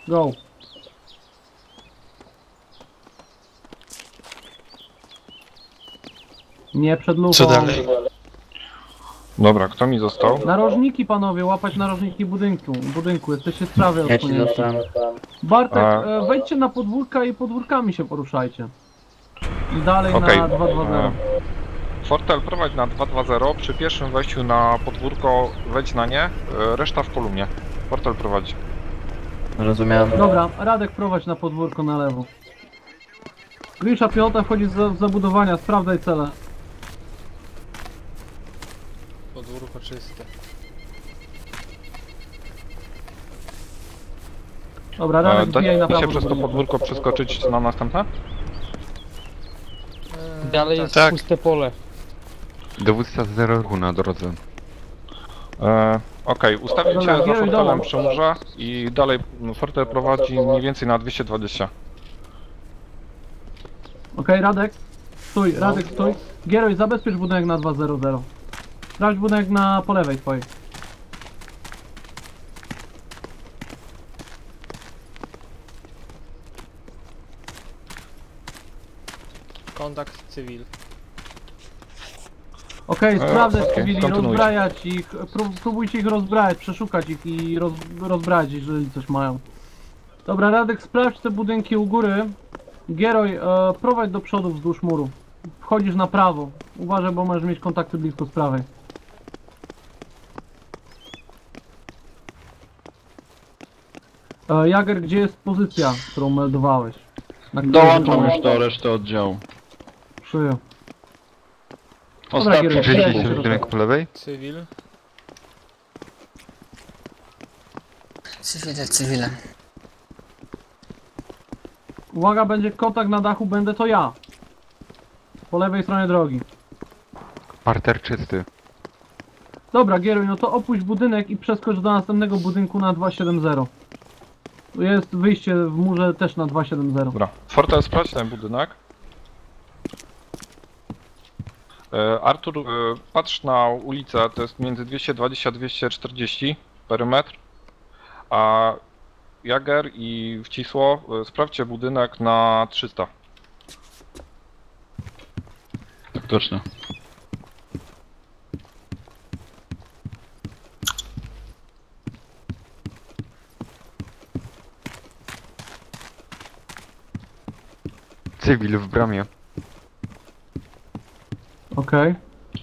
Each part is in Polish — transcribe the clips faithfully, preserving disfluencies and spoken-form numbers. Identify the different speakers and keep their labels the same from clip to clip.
Speaker 1: Go. Nie przed lufą.
Speaker 2: Co dalej?
Speaker 3: Dobra, kto mi został?
Speaker 1: Narożniki panowie, łapać narożniki budynku. Budynku, jesteście z prawej
Speaker 4: Ja ci
Speaker 1: odsunięci.
Speaker 4: zostałem.
Speaker 1: Bartek,
Speaker 3: A.
Speaker 1: e, wejdźcie na podwórka i podwórkami się poruszajcie. I dalej
Speaker 3: Okej.
Speaker 1: na dwa dwa zero.
Speaker 3: Fortel prowadź na dwa dwa zero, przy pierwszym wejściu na podwórko wejdź na nie, e, reszta w kolumnie. Fortel prowadzi.
Speaker 4: Rozumiem.
Speaker 1: Dobra, Radek prowadź na podwórko na lewo. Grisza piechota wchodzi z za- z zabudowania, sprawdzaj cele.
Speaker 2: Podwórko czyste.
Speaker 1: Dobra,
Speaker 3: E,
Speaker 1: Radek
Speaker 3: da
Speaker 1: wbijaj na
Speaker 3: da się
Speaker 1: prawo.
Speaker 3: przez to podwórko przeskoczyć na następne?
Speaker 5: Dalej jest
Speaker 2: Tak.
Speaker 5: puste pole.
Speaker 6: Dowódca zero ruchu na drodze.
Speaker 3: E, Okej, ustawić
Speaker 1: Dobra,
Speaker 3: się za
Speaker 1: kieruj
Speaker 3: Fortelem
Speaker 1: dołem.
Speaker 3: przy murze i dalej Fortel prowadzi mniej więcej na dwieście dwadzieścia.
Speaker 1: Okej, Radek. Stój, Radek stój. Gieroj, zabezpiecz budynek na dwa zero zero. Sprawdź budynek na po lewej twojej.
Speaker 2: Kontakt cywil.
Speaker 1: Okej,
Speaker 3: E,
Speaker 1: sprawdzę
Speaker 3: okej,
Speaker 1: cywili,
Speaker 3: kontynuuj.
Speaker 1: rozbrajać ich, prób, próbujcie ich rozbrać, przeszukać ich i roz, rozbrać, jeżeli coś mają. Dobra, Radek, sprawdź te budynki u góry. Gieroj, e, prowadź do przodu wzdłuż muru. Wchodzisz na prawo. Uważaj, bo możesz mieć kontakty blisko z prawej. E, Jager, gdzie jest pozycja, którą meldowałeś? Na której
Speaker 7: Dołączam
Speaker 1: wykonujesz?
Speaker 7: już do reszty oddziału.
Speaker 1: Przyjął. Dobra,
Speaker 7: Ostatni
Speaker 1: Gieroj,
Speaker 6: Przejdzie
Speaker 1: Cześć.
Speaker 6: się budynek po lewej?
Speaker 2: Cywil.
Speaker 8: Cywile, cywile.
Speaker 1: Uwaga, będzie kontakt na dachu, będę to ja. Po lewej stronie drogi.
Speaker 6: Parter czysty.
Speaker 1: Dobra, Gieruj, no to opuść budynek i przeskocz do następnego budynku na dwieście siedemdziesiąt. Tu jest wyjście w murze też na dwieście siedemdziesiąt.
Speaker 3: Dobra, Fortel sprawdź ten budynek. E, Artur, e, patrz na ulicę, to jest między dwieście dwadzieścia a dwieście czterdzieści perymetr. A Jager i Wcisło, e, sprawdźcie budynek na trzysta.
Speaker 7: Tak точно.
Speaker 6: Cywil w bramie.
Speaker 1: Okej.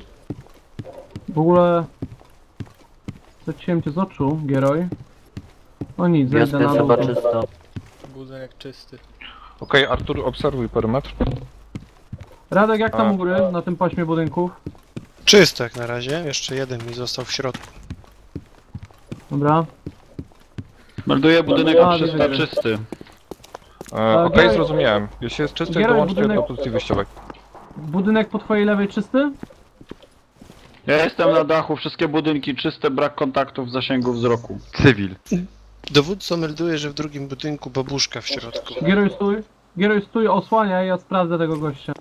Speaker 1: W ogóle... Straciłem cię z oczu, Gieroj. O nic, zejdę
Speaker 4: Wioska
Speaker 1: na
Speaker 4: jest
Speaker 1: dół.
Speaker 4: chyba czysto.
Speaker 2: Budynek czysty.
Speaker 3: Okej, Artur, obserwuj perymetr.
Speaker 1: Radek, jak tam
Speaker 3: A.
Speaker 1: u góry, na tym paśmie budynków?
Speaker 2: Czysto jak na razie. Jeszcze jeden mi został w środku.
Speaker 1: Dobra.
Speaker 7: Melduję budynek
Speaker 1: A,
Speaker 7: trzysta
Speaker 1: widzę.
Speaker 7: czysty.
Speaker 3: E, Okej,
Speaker 1: Gieroj-
Speaker 3: zrozumiałem. Jeśli jest czysty,
Speaker 1: Gieroj,
Speaker 3: dołączcie
Speaker 1: budynek-
Speaker 3: do pozycji wyjściowej.
Speaker 1: Budynek po twojej lewej czysty?
Speaker 7: Ja jestem na dachu, wszystkie budynki czyste, brak kontaktów w zasięgu wzroku.
Speaker 6: Cywil.
Speaker 2: Dowódca melduje, że w drugim budynku babuszka w środku.
Speaker 1: Gieroj, stój. Gieroj, stój, osłaniaj, ja sprawdzę tego gościa.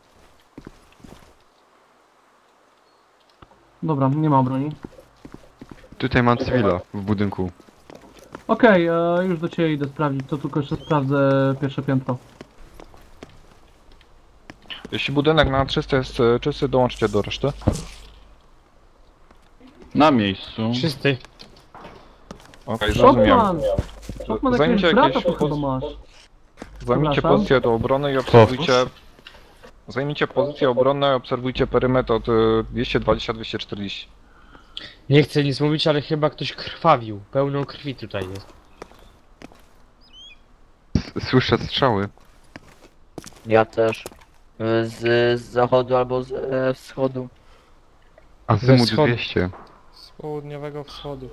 Speaker 1: Dobra, nie ma broni.
Speaker 6: Tutaj mam cywila w budynku.
Speaker 1: Okej, e, już do ciebie idę sprawdzić, to tylko jeszcze sprawdzę pierwsze piętro.
Speaker 3: Jeśli budynek na trzysta jest e, czysty, dołączcie do reszty.
Speaker 7: Na miejscu.
Speaker 5: Czysty.
Speaker 3: Okej, zrozumiałem.
Speaker 1: Shotman! Shotman, jakiegoś
Speaker 3: Zajmijcie
Speaker 1: brata
Speaker 3: jakieś
Speaker 1: tu chyba
Speaker 3: poz-
Speaker 1: masz.
Speaker 3: Zajmijcie
Speaker 1: Przepraszam.
Speaker 3: pozycję do obrony i obserwujcie... Zajmijcie pozycję obronną i obserwujcie perymetr od e, dwieście dwadzieścia do dwieście czterdzieści.
Speaker 5: Nie chcę nic mówić, ale chyba ktoś krwawił. Pełno krwi tutaj jest.
Speaker 6: S- Słyszę strzały.
Speaker 4: Ja też. Y, Z, z zachodu albo z e, wschodu.
Speaker 6: Azymut
Speaker 5: wschodu.
Speaker 6: dwieście.
Speaker 2: Z południowego wschodu.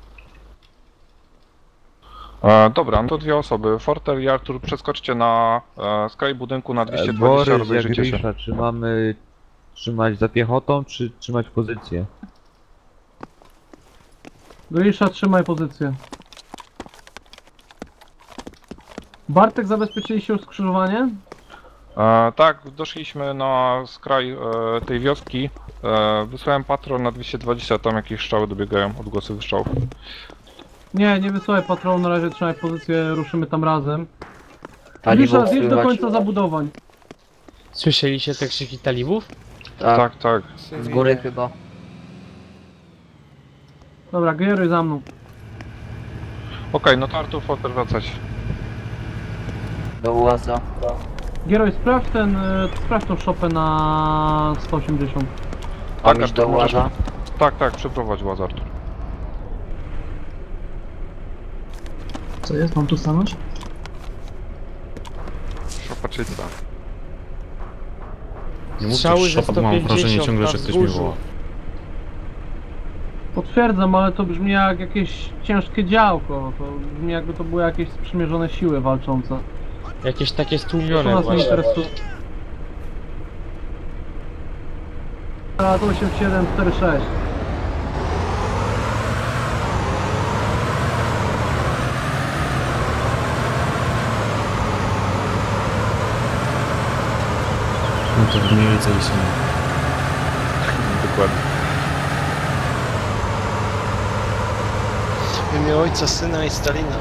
Speaker 3: E, dobra, no to dwie osoby. Fortel i Artur, przeskoczcie na e, skraj budynku na dwieście dwadzieścia,
Speaker 9: Borys,
Speaker 3: rozejrzyjcie się.
Speaker 9: Grisza, czy mamy trzymać za piechotą, czy trzymać pozycję?
Speaker 1: Grisza, trzymaj pozycję. Bartek, zabezpieczyliście już skrzyżowanie?
Speaker 3: E, tak, doszliśmy na skraj e, tej wioski. E, wysłałem patrol na dwieście dwadzieścia, tam jakieś strzały dobiegają, odgłosy wystrzałów.
Speaker 1: Nie, nie wysyłaj patrolu, na razie trzymaj pozycję, ruszymy tam razem.
Speaker 4: Talibów
Speaker 1: Lisza, zjedź do
Speaker 4: słychać.
Speaker 1: końca zabudowań.
Speaker 5: Słyszeliście te krzyki talibów?
Speaker 4: Tak,
Speaker 3: Tak, tak.
Speaker 4: z góry chyba.
Speaker 1: Dobra, Gery za mną.
Speaker 3: Okej, no to Artur Foster wracać.
Speaker 4: Do łaza.
Speaker 1: Gieroj, sprawdź ten, y, sprawdź tą szopę na sto osiemdziesiąt.
Speaker 4: Mam
Speaker 3: Tak,
Speaker 4: iść do
Speaker 3: Artur, możesz-
Speaker 4: łaza.
Speaker 3: Tak, tak, przeprowadź łaz Artur.
Speaker 1: Co jest? Mam tu stanąć?
Speaker 6: Szopa czysta.
Speaker 8: Nie mów
Speaker 5: Strzały
Speaker 8: też
Speaker 5: ze
Speaker 8: szopa, bo mam wrażenie
Speaker 5: sto pięćdziesiąt
Speaker 8: ciągle,
Speaker 5: na
Speaker 8: że ktoś mnie
Speaker 5: wzgórzu.
Speaker 8: woła.
Speaker 1: Potwierdzam, ale to brzmi jak jakieś ciężkie działko. To brzmi jakby to były jakieś sprzymierzone siły walczące.
Speaker 5: Jakieś takie
Speaker 1: To
Speaker 5: stłumione
Speaker 1: nas nie
Speaker 5: właśnie.
Speaker 1: interesuje. A to osiem siedem cztery sześć.
Speaker 8: No to mniej więcej są.
Speaker 3: Dokładnie.
Speaker 2: W imię ojca, syna i Stalina.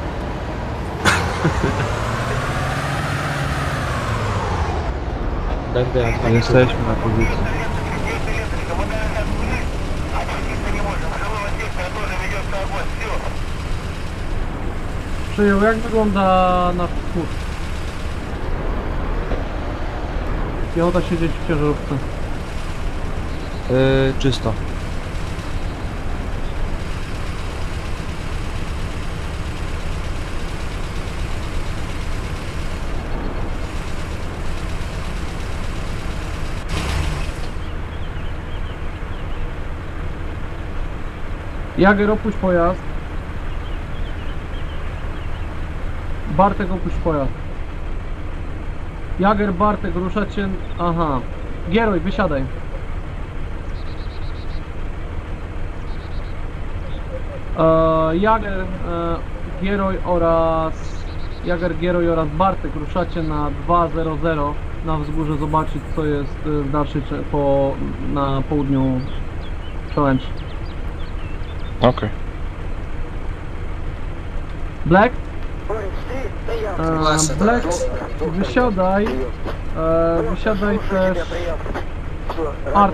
Speaker 5: Będę na dwa
Speaker 9: Jesteśmy na pozycji.
Speaker 1: Przyjął, jak wygląda nasz wschód? Piechota siedzieć w ciężarówce.
Speaker 9: Yy, czysto.
Speaker 1: Jager, opuść pojazd. Bartek, opuść pojazd. Jager, Bartek, ruszacie... Aha. Gieroj, wysiadaj. E, Jager, e, Gieroj oraz... Jager, Gieroj oraz Bartek ruszacie na dwa zero zero na wzgórze zobaczyć, co jest e, w dalszej... cze- po... na południu przełęczy.
Speaker 3: Okej.
Speaker 1: Black? E, Black, wysiadaj. E, wysiadaj też. Art,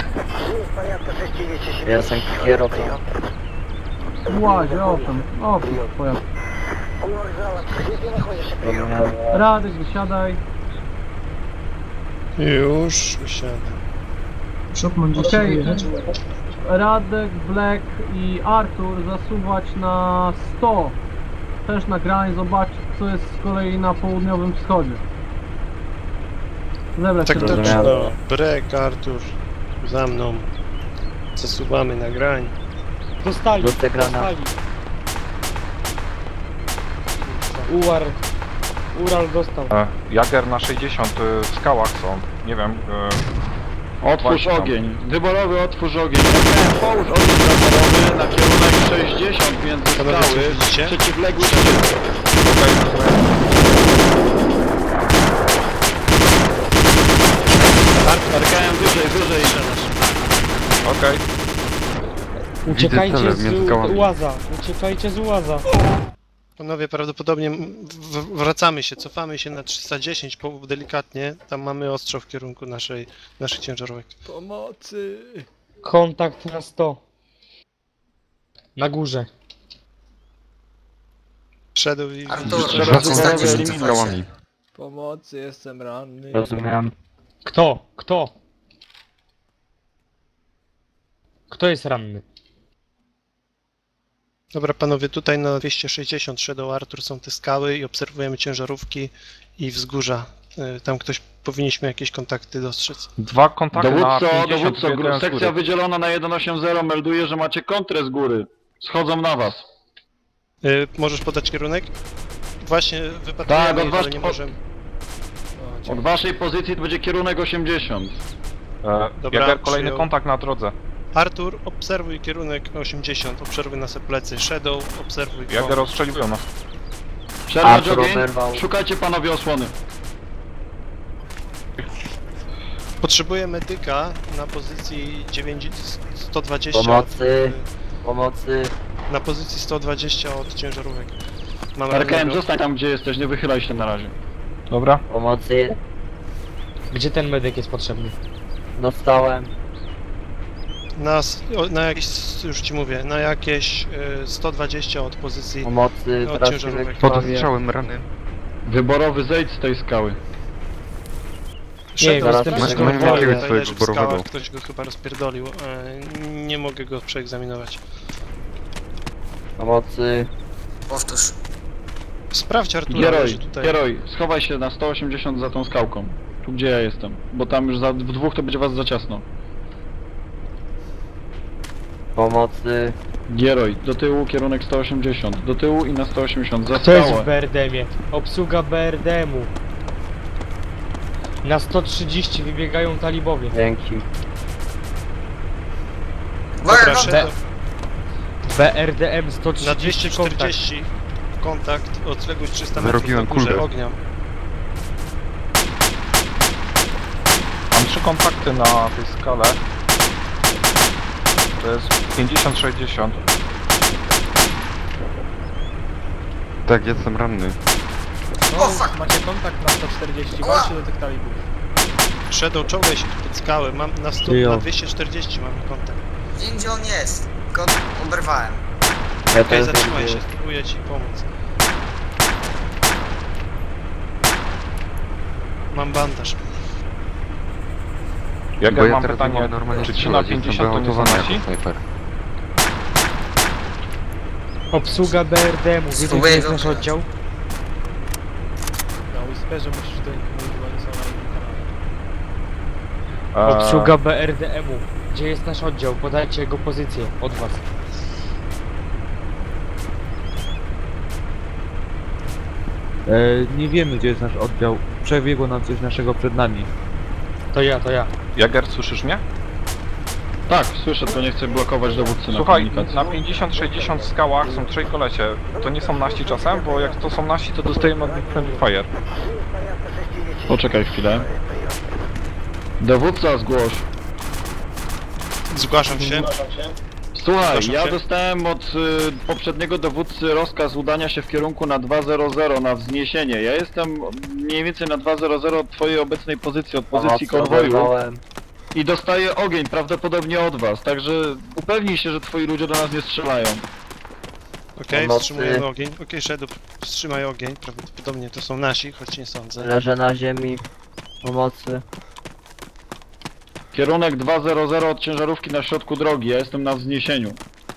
Speaker 4: Ja jestem kierowcą.
Speaker 1: w łazie, owszem, owszem, pojazd.
Speaker 4: Rozumiałem.
Speaker 1: Radek, wysiadaj.
Speaker 2: Już usiadam.
Speaker 1: Okej. Radek, Black i Artur zasuwać na sto. Też na grań, zobaczyć, co jest z kolei na południowym wschodzie. Zebrać
Speaker 2: Tak
Speaker 1: się do...
Speaker 2: точно.
Speaker 4: Rozumiałem.
Speaker 2: Brek, Artur. Za mną. Zasuwamy na grań.
Speaker 5: Dostali,
Speaker 4: Rzucę granat.
Speaker 5: dostali. Uar... Ural dostał.
Speaker 3: E, Jager na sześćdziesiąt y, w skałach są. Nie wiem. Y,
Speaker 7: Otwórz
Speaker 3: Właśnie tam.
Speaker 7: ogień. Wyborowy otwórz ogień. Nie, połóż ogień wyborowy na kierunek sześćdziesiąt między
Speaker 2: Panowie, co
Speaker 7: skały.
Speaker 2: widzicie?
Speaker 7: Przeciwległy szczyt. Arkajem wyżej, wyżej.
Speaker 3: Okej.
Speaker 5: Uciekajcie
Speaker 6: cele
Speaker 5: z
Speaker 6: między skałami.
Speaker 5: łaza. Uciekajcie z łaza.
Speaker 2: Panowie, prawdopodobnie w- wracamy się, cofamy się na trzysta dziesięć, po, delikatnie. Tam mamy ostrzał w kierunku naszej, naszych ciężarówek.
Speaker 8: Pomocy!
Speaker 5: Kontakt na sto. Na górze.
Speaker 2: Shadow i...
Speaker 10: Artur,
Speaker 2: Shadow-
Speaker 6: Dwa
Speaker 10: trzysta
Speaker 6: kontakty
Speaker 10: dziesięć
Speaker 6: z
Speaker 10: cofajcie.
Speaker 6: skałami.
Speaker 8: Pomocy, jestem ranny.
Speaker 4: Rozumiałem.
Speaker 5: Kto? Kto? Kto jest ranny?
Speaker 2: Dobra, panowie, tutaj na dwieście sześćdziesiąt Shadow Artur są te skały i obserwujemy ciężarówki i wzgórza. Y, Tam ktoś powinniśmy jakieś kontakty dostrzec.
Speaker 3: Dwa kontakty na
Speaker 7: Dowódco,
Speaker 3: pięćdziesiąt,
Speaker 7: dowódco,
Speaker 3: jeden
Speaker 7: gru-
Speaker 3: z góry.
Speaker 7: sekcja wydzielona na sto osiemdziesiąt melduje, że macie kontrę z góry. Schodzą na was.
Speaker 2: Y, Możesz podać kierunek? Właśnie
Speaker 7: Tak,
Speaker 2: wypatrujemy,
Speaker 7: od
Speaker 2: ich,
Speaker 7: was-
Speaker 2: ale nie możemy.
Speaker 7: Od waszej pozycji to będzie kierunek osiemdziesiąt.
Speaker 3: E,
Speaker 2: Dobra,
Speaker 3: Jager, kolejny
Speaker 2: przyjął.
Speaker 3: kontakt na drodze.
Speaker 2: Artur, obserwuj kierunek osiemdziesiąt, obserwuj nasze plecy. Shadow, obserwuj
Speaker 3: Jager
Speaker 2: kąt.
Speaker 3: rozstrzeliwują nas.
Speaker 7: Przerwać
Speaker 4: Artur
Speaker 7: ogień.
Speaker 4: oberwał.
Speaker 7: Szukajcie panowie osłony.
Speaker 2: Potrzebuję medyka na pozycji dziewięć sto dwadzieścia.
Speaker 4: Pomocy. Pomocy.
Speaker 2: Na pozycji sto dwadzieścia od ciężarówek. Mam
Speaker 7: R K M,
Speaker 2: rannego.
Speaker 7: zostań tam gdzie jesteś, nie wychylaj się na razie.
Speaker 3: Dobra.
Speaker 4: Pomocy
Speaker 5: Gdzie ten medyk jest potrzebny?
Speaker 4: dostałem.
Speaker 2: Na, s- o- na jakieś, już ci mówię, na jakieś y, sto dwadzieścia od pozycji.
Speaker 4: Pomocy,
Speaker 2: Od
Speaker 4: teraz się
Speaker 2: ciężarówek.
Speaker 6: Pod
Speaker 4: wykrwawię.
Speaker 6: strzałem rany.
Speaker 7: Wyborowy, zejdź z tej skały.
Speaker 2: Szedł
Speaker 4: zaraz
Speaker 2: z tym
Speaker 4: masz-
Speaker 2: wszystkim
Speaker 4: masz
Speaker 2: w wodzie,
Speaker 6: jakiegoś
Speaker 2: tutaj
Speaker 6: swojego
Speaker 2: leży w skałach,
Speaker 6: wyborowego.
Speaker 2: ktoś go chyba rozpierdolił. E, nie mogę go przeegzaminować.
Speaker 4: Pomocy.
Speaker 10: Powtórz.
Speaker 2: Sprawdź Artura,
Speaker 7: Gieroj,
Speaker 2: leży tutaj.
Speaker 7: Gieroj, schowaj się na sto osiemdziesiąt za tą skałką. Tu gdzie ja jestem. Bo tam już za, w dwóch to będzie was za ciasno.
Speaker 4: Pomocy.
Speaker 7: Gieroj, do tyłu kierunek sto osiemdziesiąt. Do tyłu i na sto osiemdziesiąt. Za
Speaker 5: Kto jest w
Speaker 7: skałę.
Speaker 5: B R D M-ie? Obsługa B R D M-u. Na sto trzydzieści wybiegają talibowie.
Speaker 4: Dzięki.
Speaker 10: Uwaga,
Speaker 2: Dobra,
Speaker 10: kontakt!
Speaker 2: szedł
Speaker 5: B R D M sto
Speaker 2: na
Speaker 5: trzydzieści
Speaker 2: dwieście
Speaker 5: kontakt.
Speaker 2: czterdzieści. Kontakt, odległość trzysta metrów
Speaker 6: Wyrobiłem
Speaker 2: na górze
Speaker 6: kulkę.
Speaker 2: ognia.
Speaker 3: Mam trzy kontakty na tej skale. To jest pięćdziesiąt sześćdziesiąt.
Speaker 6: Tak, jestem ranny.
Speaker 10: O, fuck!
Speaker 8: Macie kontakt na sto czterdzieści,
Speaker 10: Ała!
Speaker 8: walczcie do tych talibów.
Speaker 2: Shadow, czołgaj się tu pod skałę. Mam na, sto,
Speaker 9: Przyjął.
Speaker 2: na dwieście czterdzieści mamy kontakt.
Speaker 10: Wiem gdzie on jest. Tylko oberwałem.
Speaker 4: Ja
Speaker 2: Okej,
Speaker 4: też
Speaker 2: zatrzymaj
Speaker 4: będę-
Speaker 2: się, spróbuję ci pomóc. Mam bandaż.
Speaker 6: Bo
Speaker 3: Jager,
Speaker 6: ja
Speaker 3: mam
Speaker 6: teraz nie
Speaker 3: pytanie,
Speaker 6: mogę normalnie
Speaker 3: czy trzy na
Speaker 6: strzelać, jestem
Speaker 3: pięćdziesiąt to nie są
Speaker 6: wyautowany
Speaker 3: nasi?
Speaker 6: jako snajper.
Speaker 5: Obsługa B R D M-u. Wiecie, gdzie
Speaker 10: Spróbuję
Speaker 5: jest
Speaker 10: go
Speaker 5: nasz
Speaker 10: używać.
Speaker 5: oddział?
Speaker 8: Na Whisperze musisz do nich mówić, bo oni są na innym kanale.
Speaker 3: Eee,
Speaker 5: Obsługa B R D M-u. Gdzie jest nasz oddział? Podajcie jego pozycję od was.
Speaker 9: E, nie wiemy gdzie jest nasz oddział. Przebiegło nam coś naszego przed nami.
Speaker 5: To ja, to ja.
Speaker 3: Jager, słyszysz mnie?
Speaker 7: Tak, słyszę, tylko nie chcę blokować dowódcy na
Speaker 3: Słuchaj,
Speaker 7: komunikacji.
Speaker 3: na pięćdziesiąt sześćdziesiąt skałach są trzej kolesie. To nie są nasi czasem, bo jak to są nasi, to dostajemy od nich friendly fire.
Speaker 7: Poczekaj chwilę. Dowódca, zgłoś.
Speaker 2: Zgłaszam się.
Speaker 7: Słuchaj,
Speaker 2: Zgłaszam
Speaker 7: ja
Speaker 2: się.
Speaker 7: dostałem od y, poprzedniego dowódcy rozkaz udania się w kierunku na dwa zero zero na wzniesienie. Ja jestem mniej więcej na dwa zero zero od twojej obecnej pozycji, od pozycji
Speaker 4: Pomocy
Speaker 7: konwoju
Speaker 4: oberwałem.
Speaker 7: i dostaję ogień prawdopodobnie od was, także upewnij się, że twoi ludzie do nas nie strzelają.
Speaker 2: Okej,
Speaker 4: Pomocy.
Speaker 2: wstrzymujemy ogień. Okej, Shadow, wstrzymaj ogień. Prawdopodobnie to są nasi, choć nie sądzę.
Speaker 4: Leżę na ziemi. Pomocy.
Speaker 7: Kierunek dwa zero zero od ciężarówki na środku drogi, ja jestem na wzniesieniu.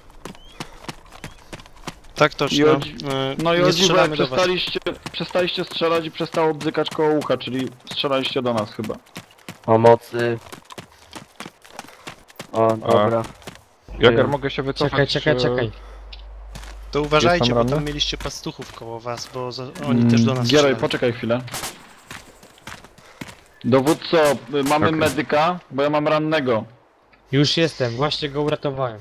Speaker 2: Tak toczno.
Speaker 7: I o-
Speaker 2: E,
Speaker 7: No i
Speaker 2: nie
Speaker 7: o dziwo,
Speaker 2: strzelamy do was.
Speaker 7: przestaliście, przestaliście strzelać i przestało bzykać koło ucha, czyli strzelaliście do nas chyba.
Speaker 4: Pomocy. O, dobra.
Speaker 3: Jager, mogę się wycofać?
Speaker 5: Czekaj, czekaj,
Speaker 3: e,
Speaker 5: czekaj.
Speaker 2: To uważajcie,
Speaker 3: Jestem
Speaker 2: bo
Speaker 3: ranny?
Speaker 2: tam mieliście pastuchów koło was, bo za, oni też do nas
Speaker 7: Mm, Gieroj,
Speaker 2: strzelają.
Speaker 7: poczekaj chwilę. Dowódco, y, mamy
Speaker 6: Okej.
Speaker 7: medyka, bo ja mam rannego.
Speaker 5: Już jestem, właśnie go uratowałem.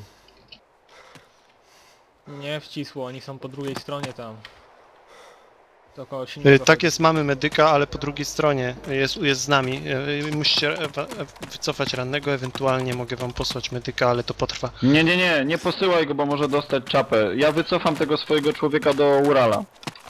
Speaker 8: Nie wcisło, oni są po drugiej stronie tam. To koło
Speaker 2: E,
Speaker 8: silnego.
Speaker 2: Tak jest, mamy medyka, ale po drugiej stronie jest, jest z nami. E, Musicie e, wa- e, wycofać rannego, ewentualnie mogę wam posłać medyka, ale to potrwa.
Speaker 7: Nie, nie, nie, nie posyłaj go, bo może dostać czapę. Ja wycofam tego swojego człowieka do Urala.